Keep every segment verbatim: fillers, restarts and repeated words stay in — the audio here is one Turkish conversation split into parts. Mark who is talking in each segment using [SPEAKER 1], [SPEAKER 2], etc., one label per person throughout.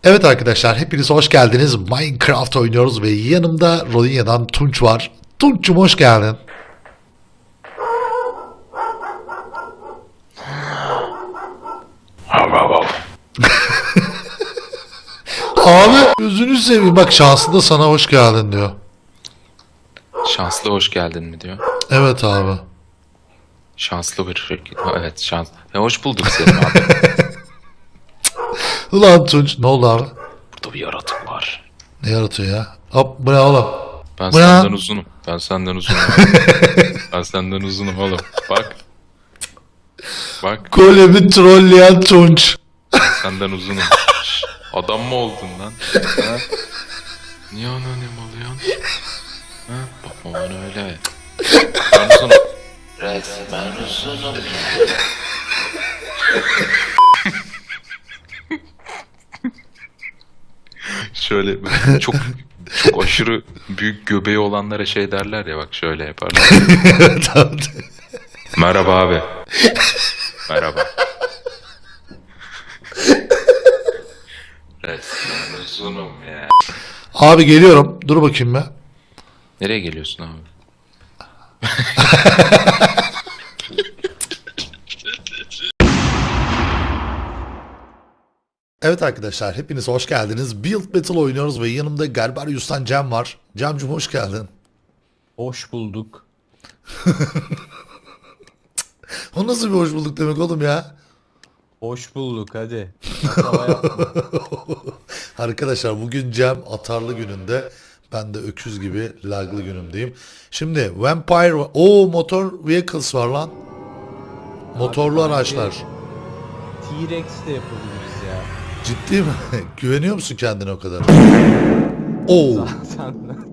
[SPEAKER 1] Evet arkadaşlar, hepiniz hoş geldiniz. Minecraft oynuyoruz ve yanımda Rodinia'dan Tunç var. Tunç'cum hoş geldin. Abi gözünü seveyim, bak şanslı da sana hoş geldin diyor.
[SPEAKER 2] Şanslı hoş geldin mi diyor.
[SPEAKER 1] Evet abi.
[SPEAKER 2] Şanslı bir şirket. Ha, evet şans. E, hoş bulduk seni abi.
[SPEAKER 1] Ulan Tunç, ne oldu abi?
[SPEAKER 2] Burada bir yaratık var.
[SPEAKER 1] Ne yaratıyor ya? Hop, bu ne oğlum?
[SPEAKER 2] Ben
[SPEAKER 1] Bu ne
[SPEAKER 2] senden
[SPEAKER 1] lan?
[SPEAKER 2] uzunum. Ben senden uzunum. abi. Ben senden uzunum oğlum. Bak. Bak.
[SPEAKER 1] Golemi trolleyen Tunç.
[SPEAKER 2] Ben senden uzunum. Şş, adam mı oldun lan? Ha? Niye anonim oluyorsun? Ha? Bakma bana öyle. Ben uzunum. Resmen uzunum. Şöyle çok çok aşırı büyük göbeği olanlara şey derler ya, bak şöyle yaparlar.
[SPEAKER 1] Evet abi.
[SPEAKER 2] Merhaba abi. Merhaba. Resmen uzunum ya.
[SPEAKER 1] Abi geliyorum. Dur bakayım be.
[SPEAKER 2] Nereye geliyorsun abi?
[SPEAKER 1] Evet arkadaşlar, hepiniz hoş geldiniz. Build Battle oynuyoruz ve yanımda Garbarius'tan Cem var. Cem'cum hoş geldin.
[SPEAKER 3] Hoş bulduk.
[SPEAKER 1] O nasıl bir hoş bulduk demek oğlum ya?
[SPEAKER 3] Hoş bulduk hadi. Hata yapma.
[SPEAKER 1] Arkadaşlar bugün Cem atarlı gününde. Ben de öküz gibi laglı günümdeyim. Şimdi Vampire... o motor vehicles var lan. Motorlu
[SPEAKER 3] Abi,
[SPEAKER 1] araçlar.
[SPEAKER 3] T-Rex de yapabiliriz ya.
[SPEAKER 1] Ciddi mi? Güveniyor musun kendine o kadar? Oo.
[SPEAKER 3] Zaten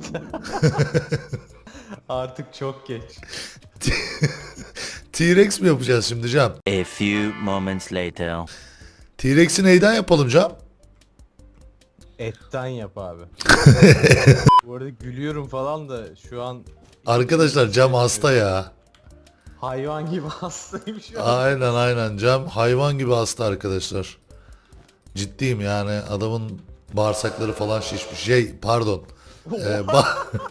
[SPEAKER 3] artık çok geç.
[SPEAKER 1] T-Rex mi yapacağız şimdi Cem?
[SPEAKER 4] A few moments later.
[SPEAKER 1] T-Rex'i neyden yapalım Cem?
[SPEAKER 3] Etten yap abi. Bu arada gülüyorum falan da şu an
[SPEAKER 1] Arkadaşlar Cem hasta ya.
[SPEAKER 3] hayvan gibi hastayım şu an.
[SPEAKER 1] Aynen aynen Cem hayvan gibi hasta arkadaşlar. Ciddiyim yani, adamın bağırsakları falan şişmiş. Şey pardon. Ee, ba-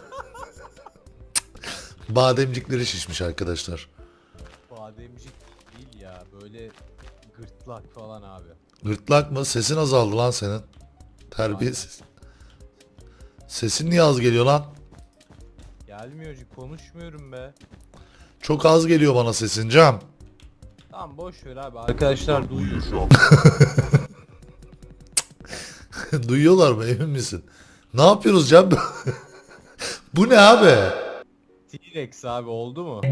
[SPEAKER 1] bademcikleri şişmiş arkadaşlar.
[SPEAKER 3] Bademcik değil ya, böyle gırtlak falan abi.
[SPEAKER 1] Gırtlak mı? Sesin azaldı lan senin. Terbiyesiz. Sesin niye az geliyor lan?
[SPEAKER 3] Gelmiyor, konuşmuyorum be.
[SPEAKER 1] Çok az geliyor bana sesin Cem.
[SPEAKER 3] Tamam boş ver abi. Arkadaşlar duyuyor.
[SPEAKER 1] Duyuyorlar mı, emin misin? Ne yapıyoruz Cem? Bu ne abi?
[SPEAKER 3] T-Rex abi oldu mu?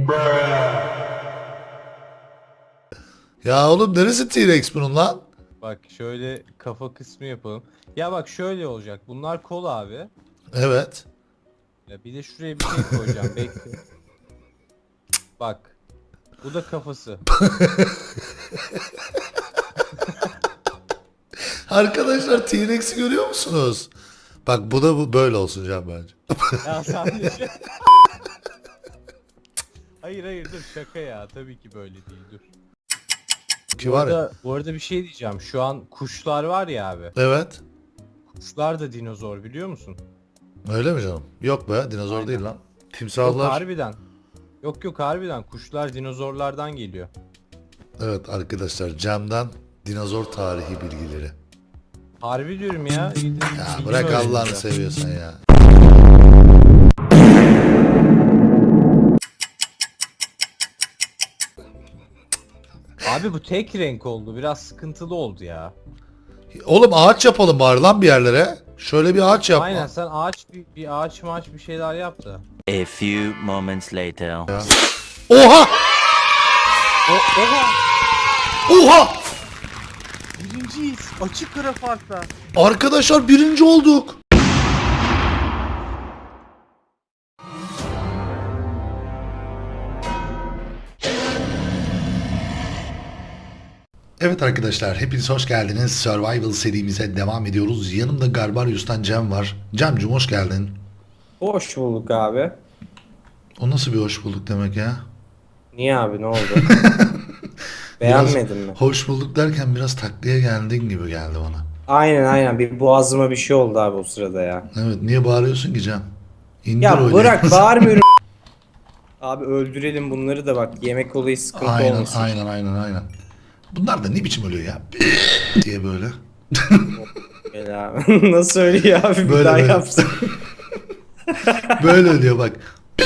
[SPEAKER 1] Ya oğlum neresi T-Rex bunun lan?
[SPEAKER 3] Bak şöyle kafa kısmı yapalım. Ya bak şöyle olacak. Bunlar kol abi.
[SPEAKER 1] Evet.
[SPEAKER 3] Ya bir de şuraya bir şey koyacağım. Bekle. Bak. Bu da kafası.
[SPEAKER 1] Arkadaşlar T-Rex'i görüyor musunuz? Bak bu da bu böyle olsun Can bence.
[SPEAKER 3] Ya sen de şey... Hayır hayır dur, şaka ya. Tabii ki böyle değil, dur.
[SPEAKER 1] Ki
[SPEAKER 3] Bu
[SPEAKER 1] var ya.
[SPEAKER 3] arada, bu arada bir şey diyeceğim. Şu an kuşlar var ya abi.
[SPEAKER 1] Evet.
[SPEAKER 3] Kuşlar da dinozor, biliyor musun?
[SPEAKER 1] Öyle mi canım? Yok be, dinozor
[SPEAKER 3] Aynen.
[SPEAKER 1] değil lan.
[SPEAKER 3] Yok
[SPEAKER 1] Timsahlar.
[SPEAKER 3] harbiden. Yok yok harbiden. Kuşlar dinozorlardan geliyor.
[SPEAKER 1] Evet arkadaşlar, Cem'den dinozor tarihi bilgileri.
[SPEAKER 3] Harbi diyorum ya.
[SPEAKER 1] Ya
[SPEAKER 3] Bilgim
[SPEAKER 1] bırak
[SPEAKER 3] öyle
[SPEAKER 1] Allah'ını
[SPEAKER 3] ya.
[SPEAKER 1] seviyorsan ya.
[SPEAKER 3] Abi bu tek renk oldu. Biraz sıkıntılı oldu ya.
[SPEAKER 1] Oğlum ağaç yapalım bari lan bir yerlere. Şöyle bir ağaç yap.
[SPEAKER 3] Aynen, sen ağaç bir, bir ağaç maaç bir şeyler yap da.
[SPEAKER 4] A few moments later.
[SPEAKER 1] Oha!
[SPEAKER 3] O, oha!
[SPEAKER 1] Oha!
[SPEAKER 3] Birinciyiz. Açık ara farkla.
[SPEAKER 1] Arkadaşlar birinci olduk. Evet arkadaşlar, hepiniz hoş geldiniz. Survival serimize devam ediyoruz. Yanımda Garbarius'tan Cem var. Cem'cum hoş geldin.
[SPEAKER 5] Hoş bulduk abi.
[SPEAKER 1] O nasıl bir hoş bulduk demek ya?
[SPEAKER 5] Niye abi, ne oldu?
[SPEAKER 1] Biraz
[SPEAKER 5] Beğenmedin mi?
[SPEAKER 1] hoş bulduk derken biraz taklaya geldin gibi geldi bana.
[SPEAKER 5] Aynen aynen bir boğazıma bir şey oldu abi o sırada ya.
[SPEAKER 1] Evet, niye bağırıyorsun ki Cem? İndir
[SPEAKER 5] Ya
[SPEAKER 1] oyunu.
[SPEAKER 5] bırak bağırmıyorum. Abi öldürelim bunları da bak yemek olayı sıkıntı
[SPEAKER 1] Aynen
[SPEAKER 5] olmasın.
[SPEAKER 1] aynen aynen aynen. Bunlar da ne biçim ölüyor ya? diye böyle.
[SPEAKER 5] Gel abi. Nasıl söylüyor abi bir
[SPEAKER 1] Böyle,
[SPEAKER 5] daha
[SPEAKER 1] böyle.
[SPEAKER 5] yapsın.
[SPEAKER 1] Böyle ölüyor bak.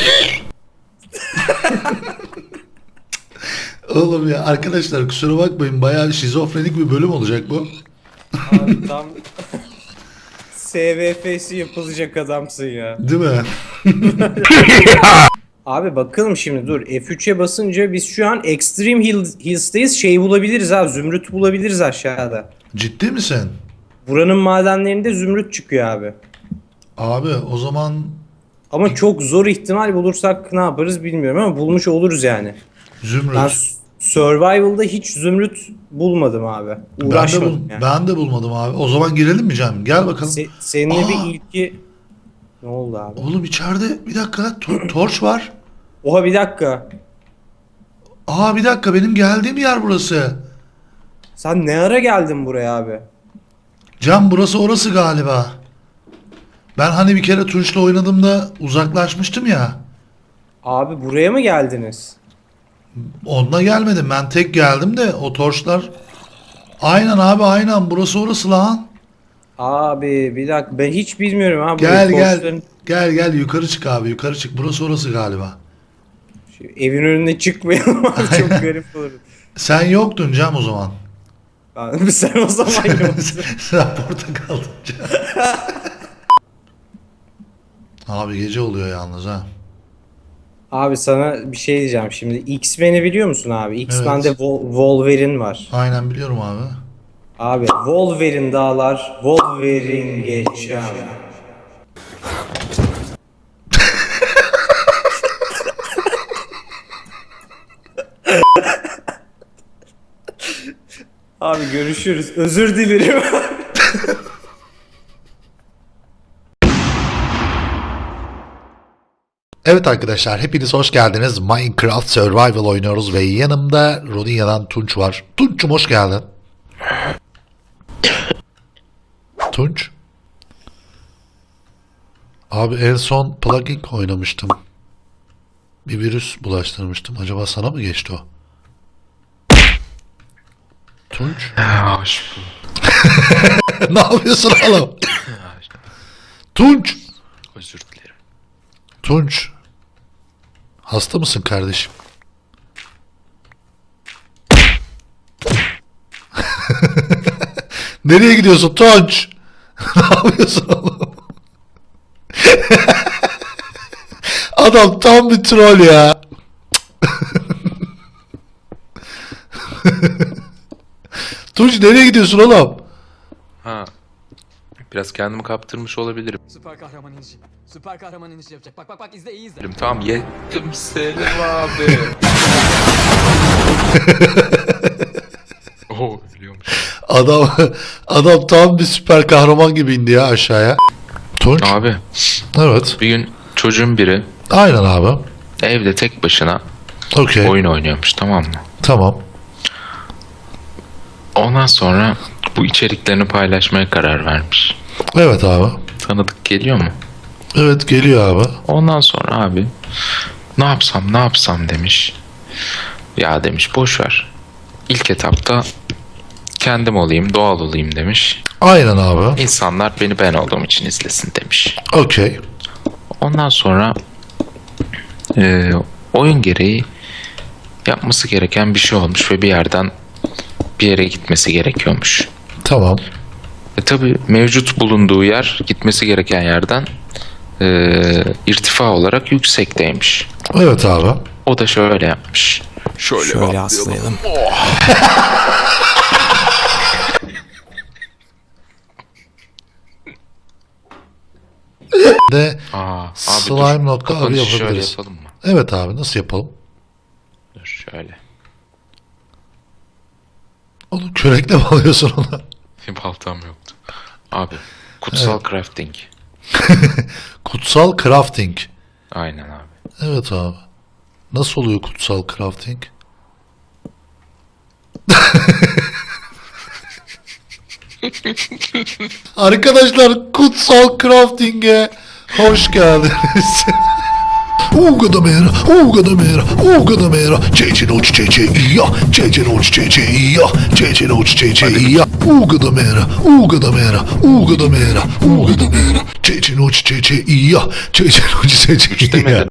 [SPEAKER 1] Oğlum ya arkadaşlar kusura bakmayın bayağı şizofrenik bir bölüm olacak bu.
[SPEAKER 5] Abi tam S V F'si yapılacak adamsın ya.
[SPEAKER 1] Değil mi?
[SPEAKER 5] Abi bakalım şimdi dur F üçe basınca biz şu an Extreme Hill, Hills'teyiz şey bulabiliriz abi zümrüt bulabiliriz aşağıda.
[SPEAKER 1] Ciddi misin?
[SPEAKER 5] Buranın madenlerinde zümrüt çıkıyor abi.
[SPEAKER 1] Abi o zaman
[SPEAKER 5] Ama çok zor ihtimal bulursak ne yaparız bilmiyorum ama bulmuş oluruz yani.
[SPEAKER 1] Zümrüt.
[SPEAKER 5] Ben s- Survival'da hiç zümrüt bulmadım abi.
[SPEAKER 1] Ben de,
[SPEAKER 5] Uğraşmadım
[SPEAKER 1] bul-
[SPEAKER 5] yani.
[SPEAKER 1] ben de bulmadım abi. O zaman girelim mi Cem? Gel bakalım.
[SPEAKER 5] Se- seninle
[SPEAKER 1] Aa!
[SPEAKER 5] bir ilki... Ne oldu abi?
[SPEAKER 1] Oğlum içeride bir dakika to- torç var.
[SPEAKER 5] Oha bir dakika.
[SPEAKER 1] Aa bir dakika benim geldiğim yer burası.
[SPEAKER 5] Sen ne ara geldin buraya abi?
[SPEAKER 1] Cem burası orası galiba. Ben hani bir kere Tunç'la oynadığımda uzaklaşmıştım ya.
[SPEAKER 5] Abi buraya mı geldiniz?
[SPEAKER 1] Onunla gelmedim. Ben tek geldim de o torçlar. Aynen abi aynen burası orası lan.
[SPEAKER 5] Abi bir dakika ben hiç bilmiyorum abi.
[SPEAKER 1] Gel
[SPEAKER 5] Bu
[SPEAKER 1] gel.
[SPEAKER 5] torçların-
[SPEAKER 1] Gel gel yukarı çık abi yukarı çık. Burası orası galiba.
[SPEAKER 5] Şu evin önüne çıkmayalım abi çok garip olur.
[SPEAKER 1] Sen yoktun Cem o zaman.
[SPEAKER 5] Abi sen o zaman yoksun.
[SPEAKER 1] Sen burada kaldın Cem. Abi gece oluyor yalnız ha.
[SPEAKER 5] Abi sana bir şey diyeceğim şimdi. X-Men'i biliyor musun abi? X-Men'de
[SPEAKER 1] Evet.
[SPEAKER 5] Wol- Wolverine var.
[SPEAKER 1] Aynen biliyorum abi.
[SPEAKER 5] Abi Wolverine dağlar, Wolverine geçer. Abi görüşürüz. Özür dilerim.
[SPEAKER 1] Evet arkadaşlar hepiniz hoş geldiniz. Minecraft Survival oynuyoruz ve yanımda Rodinia'dan Tunç var. Tunç'um hoş geldin. Tunç. Abi en son plugin oynamıştım. Bir virüs bulaştırmıştım. Acaba sana mı geçti o? Tunç.
[SPEAKER 2] Ha, hoş bulduk.
[SPEAKER 1] Ne yapıyorsun oğlum? Tunç.
[SPEAKER 2] Özür dilerim.
[SPEAKER 1] Tunç. Hasta mısın kardeşim? Nereye gidiyorsun Tunç? Ne yapıyorsun oğlum? Adam tam bir troll ya. Tunç nereye gidiyorsun oğlum?
[SPEAKER 2] Ha. Biraz kendimi kaptırmış olabilirim.
[SPEAKER 6] Süper kahraman inişi. Süper kahraman inişi yapacak. Bak bak bak izle iyi izle.
[SPEAKER 2] Tamam yettim Selim abi. Oo ölüyormuş.
[SPEAKER 1] Adam adam tam bir süper kahraman gibi indi ya aşağıya. Tunç.
[SPEAKER 2] Abi
[SPEAKER 1] Evet.
[SPEAKER 2] bir gün çocuğun biri
[SPEAKER 1] Aynen abi.
[SPEAKER 2] evde tek başına
[SPEAKER 1] Okey.
[SPEAKER 2] oyun oynuyormuş, tamam mı?
[SPEAKER 1] Tamam.
[SPEAKER 2] Ondan sonra bu içeriklerini paylaşmaya karar vermiş.
[SPEAKER 1] Evet abi.
[SPEAKER 2] Tanıdık geliyor mu?
[SPEAKER 1] Evet geliyor abi.
[SPEAKER 2] Ondan sonra abi ne yapsam ne yapsam demiş. Ya demiş boş ver. İlk etapta kendim olayım, doğal olayım demiş.
[SPEAKER 1] Aynen abi.
[SPEAKER 2] İnsanlar beni ben olduğum için izlesin demiş.
[SPEAKER 1] Okey.
[SPEAKER 2] Ondan sonra e, oyun gereği yapması gereken bir şey olmuş ve bir yerden bir yere gitmesi gerekiyormuş.
[SPEAKER 1] Tamam.
[SPEAKER 2] E tabi mevcut bulunduğu yer gitmesi gereken yerden e, irtifa olarak yüksekteymiş.
[SPEAKER 1] Evet abi.
[SPEAKER 2] O da şöyle yapmış. Şöyle,
[SPEAKER 6] Şöyle
[SPEAKER 2] atlayalım.
[SPEAKER 6] aslayalım.
[SPEAKER 1] De
[SPEAKER 2] Aa, abi
[SPEAKER 1] slime
[SPEAKER 2] dur.
[SPEAKER 1] nokta abi
[SPEAKER 2] Kapanışı şöyle
[SPEAKER 1] yapabiliriz.
[SPEAKER 2] yapalım mı?
[SPEAKER 1] Evet abi nasıl yapalım?
[SPEAKER 2] Dur şöyle.
[SPEAKER 1] Oğlum kürekle mi alıyorsun onu?
[SPEAKER 2] Bir baltam yoktu. Abi kutsal crafting.
[SPEAKER 1] Kutsal crafting.
[SPEAKER 2] Aynen abi.
[SPEAKER 1] Evet abi. Nasıl oluyor kutsal crafting? Arkadaşlar Kutsal Crafting'e hoş geldiniz. Uga da mera, uga da mera, uga da mera. Çeçe noç çeçe iya, çeçe noç çeçe iya, çeçe noç çeçe iya. Uga da mera, uga da mera, uga da mera, uga da mera. Çeçe noç çeçe iya, çeçe noç çeçe iya.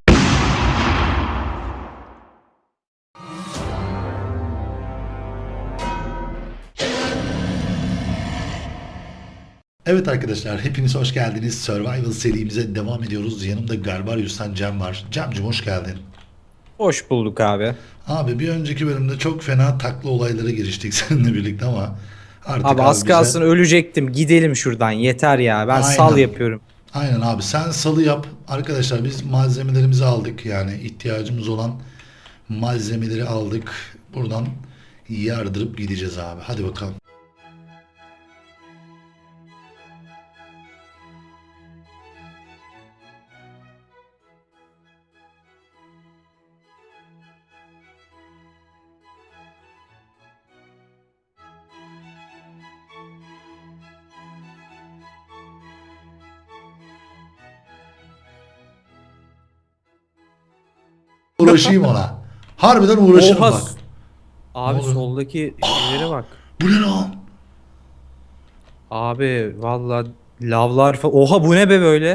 [SPEAKER 1] Evet arkadaşlar hepiniz hoş geldiniz. Survival serimize devam ediyoruz. Yanımda Garbarius'tan Cem var. Cem'cim hoş geldin.
[SPEAKER 5] Hoş bulduk abi.
[SPEAKER 1] Abi bir önceki bölümde çok fena takla olaylara giriştik seninle birlikte ama artık
[SPEAKER 5] Abi az
[SPEAKER 1] bize-
[SPEAKER 5] kalsın ölecektim. Gidelim şuradan yeter ya. Ben
[SPEAKER 1] Aynen.
[SPEAKER 5] sal yapıyorum.
[SPEAKER 1] Aynen abi sen salı yap. Arkadaşlar biz malzemelerimizi aldık. Yani ihtiyacımız olan malzemeleri aldık. Buradan yardırıp gideceğiz abi. Hadi bakalım. Uğraşayım ona. Harbiden uğraşırım
[SPEAKER 5] Oha.
[SPEAKER 1] bak.
[SPEAKER 5] Abi
[SPEAKER 1] Ne oluyor?
[SPEAKER 5] soldaki şeylere bak.
[SPEAKER 1] Bu ne lan?
[SPEAKER 5] Abi valla lavlar falan. Oha bu ne be böyle?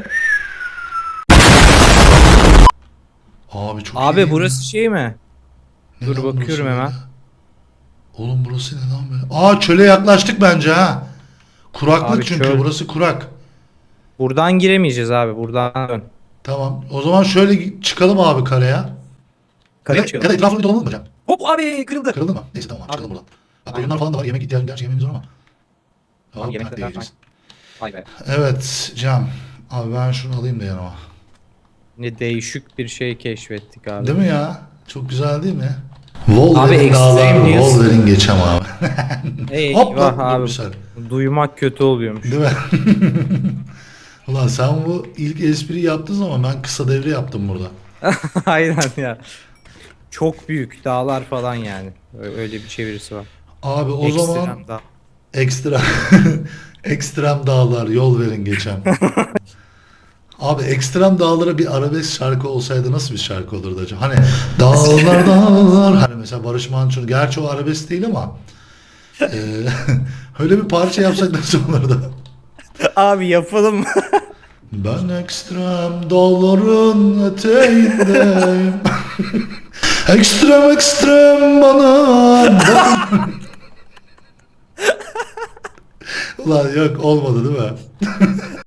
[SPEAKER 1] Abi çok iyi
[SPEAKER 5] Abi
[SPEAKER 1] değil mi?
[SPEAKER 5] burası şey mi?
[SPEAKER 1] Ne
[SPEAKER 5] Dur
[SPEAKER 1] lan
[SPEAKER 5] bakıyorum
[SPEAKER 1] burası
[SPEAKER 5] hemen.
[SPEAKER 1] böyle? Oğlum burası ne lan böyle? Aa çöle yaklaştık bence ha. Kuraklık
[SPEAKER 5] Abi
[SPEAKER 1] çünkü
[SPEAKER 5] çöl.
[SPEAKER 1] burası kurak.
[SPEAKER 5] Buradan giremeyeceğiz abi. Buradan dön.
[SPEAKER 1] Tamam. O zaman şöyle çıkalım abi karaya.
[SPEAKER 5] Kare
[SPEAKER 1] Ya, ya
[SPEAKER 5] çıkalım.
[SPEAKER 1] da etrafını dolanalım mı hocam?
[SPEAKER 5] Hop abi kırıldı.
[SPEAKER 1] Kırıldı mı? Neyse tamam abi, çıkalım
[SPEAKER 5] Abi.
[SPEAKER 1] buradan. Bak koyunlar falan da var. Yemek ihtiyacı gerçi yemeğimiz var ama. Tamam,
[SPEAKER 5] yemek
[SPEAKER 1] yemek
[SPEAKER 5] de-
[SPEAKER 1] yiyeceğiz.
[SPEAKER 5] Vay be.
[SPEAKER 1] Evet Cem. Abi ben şunu alayım da yanıma.
[SPEAKER 5] Ne değişik bir şey keşfettik abi.
[SPEAKER 1] Değil mi ya? Çok güzel değil mi? Wolverine
[SPEAKER 5] Abi,
[SPEAKER 1] dağlar,
[SPEAKER 5] Extreme News.
[SPEAKER 1] Wolverine geçem abi. Hop
[SPEAKER 5] Eyvah
[SPEAKER 1] lan dur
[SPEAKER 5] abi.
[SPEAKER 1] bir saniye.
[SPEAKER 5] Duymak kötü oluyormuş.
[SPEAKER 1] Değil mi? Ulan sen bu ilk espri yaptığın zaman ben kısa devre yaptım burada.
[SPEAKER 5] Aynen ya. Çok büyük dağlar falan yani. Ö- Öyle bir çevirisi var.
[SPEAKER 1] Abi o
[SPEAKER 5] Ekstrem
[SPEAKER 1] zaman
[SPEAKER 5] dağ.
[SPEAKER 1] ekstra ekstrem dağlar yol verin geçen. Abi ekstrem dağlara bir arabesk şarkı olsaydı nasıl bir şarkı olurdu acaba? Hani dağlar dağlar hani mesela Barış Manço gerçi o arabesk değil ama eee, öyle bir parça yapsak nasıl olurdu?
[SPEAKER 5] Abi yapalım.
[SPEAKER 1] Ben ekstrem dağların eteğindeyim. Ekstrem ekstrem bana bak. Ulan yok olmadı değil mi?